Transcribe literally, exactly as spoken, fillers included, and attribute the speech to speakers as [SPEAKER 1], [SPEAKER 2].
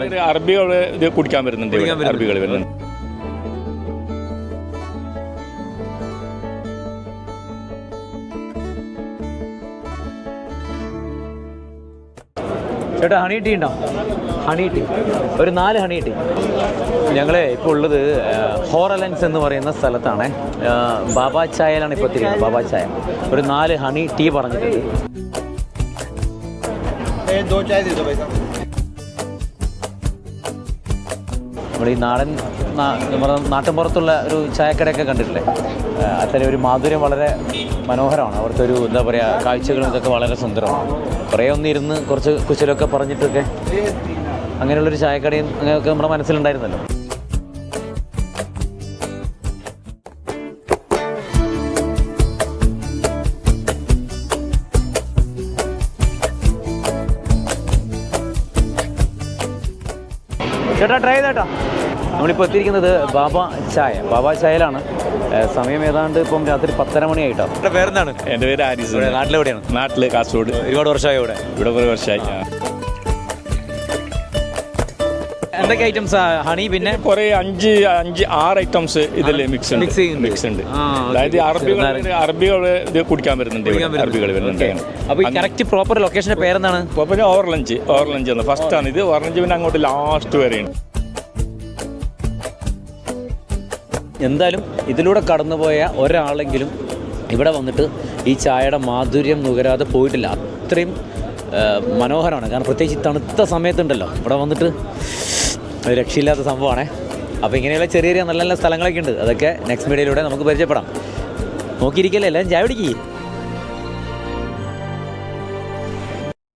[SPEAKER 1] അറബികൾ ഇത് കുടിക്കാൻ വരുന്നുണ്ട്, അറബികൾ വരുന്നുണ്ട്.
[SPEAKER 2] ചേട്ടാ ഹണി ടീ ഉണ്ടോ? ഹണി ടീ ഒരു നാല് ഹണി ടീ. ഞങ്ങൾ ഇപ്പോൾ ഉള്ളത് ഹോറലൻസ് എന്ന് പറയുന്ന സ്ഥലത്താണ്. ബാബാ ചായയിലാണ് ഇപ്പോൾ എത്തിയിരിക്കുന്നത്. ബാബാ ചായ ഒരു നാല് ഹണി ടീ പറഞ്ഞിട്ടുണ്ട്. നമ്മൾ ഈ നാടൻ നമ്മുടെ നാട്ടിൻപുറത്തുള്ള ഒരു ചായക്കടയൊക്കെ കണ്ടിട്ടില്ലേ? അത്തരം ഒരു മാധുര്യം വളരെ മനോഹരമാണ്. അവിടുത്തെ ഒരു എന്താ പറയുക, കാഴ്ചകളും ഇതൊക്കെ വളരെ സുന്ദരമാണ്. കുറേ ഒന്നിരുന്ന് കുറച്ച് കുശലൊക്കെ പറഞ്ഞിട്ടൊക്കെ അങ്ങനെയുള്ളൊരു ചായക്കടയും അങ്ങനെയൊക്കെ നമ്മുടെ മനസ്സിലുണ്ടായിരുന്നല്ലോ. ചേട്ടാ ട്രൈ ചെയ്തേട്ടാ. നമ്മളിപ്പോൾ എത്തിയിരിക്കുന്നത് ബാബാ ചായ. ബാബാ ചായയിലാണ്. സമയം ഏതാണ്ട് ഇപ്പം രാത്രി പത്തര മണിയായിട്ടോ. എൻ്റെ പേരെന്താണ്?
[SPEAKER 1] എൻ്റെ പേര് ആരിസ്.
[SPEAKER 2] നാട്ടിലെവിടെയാണ്?
[SPEAKER 1] നാട്ടിൽ കാസർഗോഡ്.
[SPEAKER 2] ഒരുപാട് വർഷമായി ഇവിടെ?
[SPEAKER 1] ഇവിടെ ഒരു വർഷമായി.
[SPEAKER 2] എന്തൊക്കെ ഐറ്റംസ്? ഹണി പിന്നെ കുറേ
[SPEAKER 1] അഞ്ച് അഞ്ച് ആറ് ഐറ്റംസ് ഇതിൽ മിക്സ് ഉണ്ട് മിക്സ് ഉണ്ട് അതായത് അറബികൾ അറബികൾ ഇത് കുടിക്കാൻ വരുന്നുണ്ട്, അറബികൾ വരുന്നുണ്ട്.
[SPEAKER 2] അപ്പോൾ ഈ കറക്റ്റ് പ്രോപ്പർ ലൊക്കേഷൻ്റെ പേരെന്താണ്?
[SPEAKER 1] പ്രോപ്പർ ഓർലഞ്ച്. ഓർലഞ്ച് ആണ് ഫസ്റ്റ് ആണ് ഇത്. ഓർലഞ്ച് പിന്നെ അങ്ങോട്ട് ലാസ്റ്റ് വരെയാണ്.
[SPEAKER 2] എന്തായാലും ഇതിലൂടെ കടന്നുപോയ ഒരാളെങ്കിലും ഇവിടെ വന്നിട്ട് ഈ ചായയുടെ മാധുര്യം നുകരാതെ പോയിട്ടില്ല. അത്രയും മനോഹരമാണ്. കാരണം പ്രത്യേകിച്ച് തണുത്ത സമയത്തുണ്ടല്ലോ ഇവിടെ വന്നിട്ട് രക്ഷയില്ലാത്ത സംഭവമാണേ. അപ്പോൾ ഇങ്ങനെയുള്ള ചെറിയ ചെറിയ നല്ല നല്ല സ്ഥലങ്ങളൊക്കെ ഉണ്ട്. അതൊക്കെ നെക്സ്റ്റ് മീഡിയയിലൂടെ നമുക്ക് പരിചയപ്പെടാം. നോക്കിയിരിക്കല്ലേ, എല്ലാം ചായ പിടിക്കുക.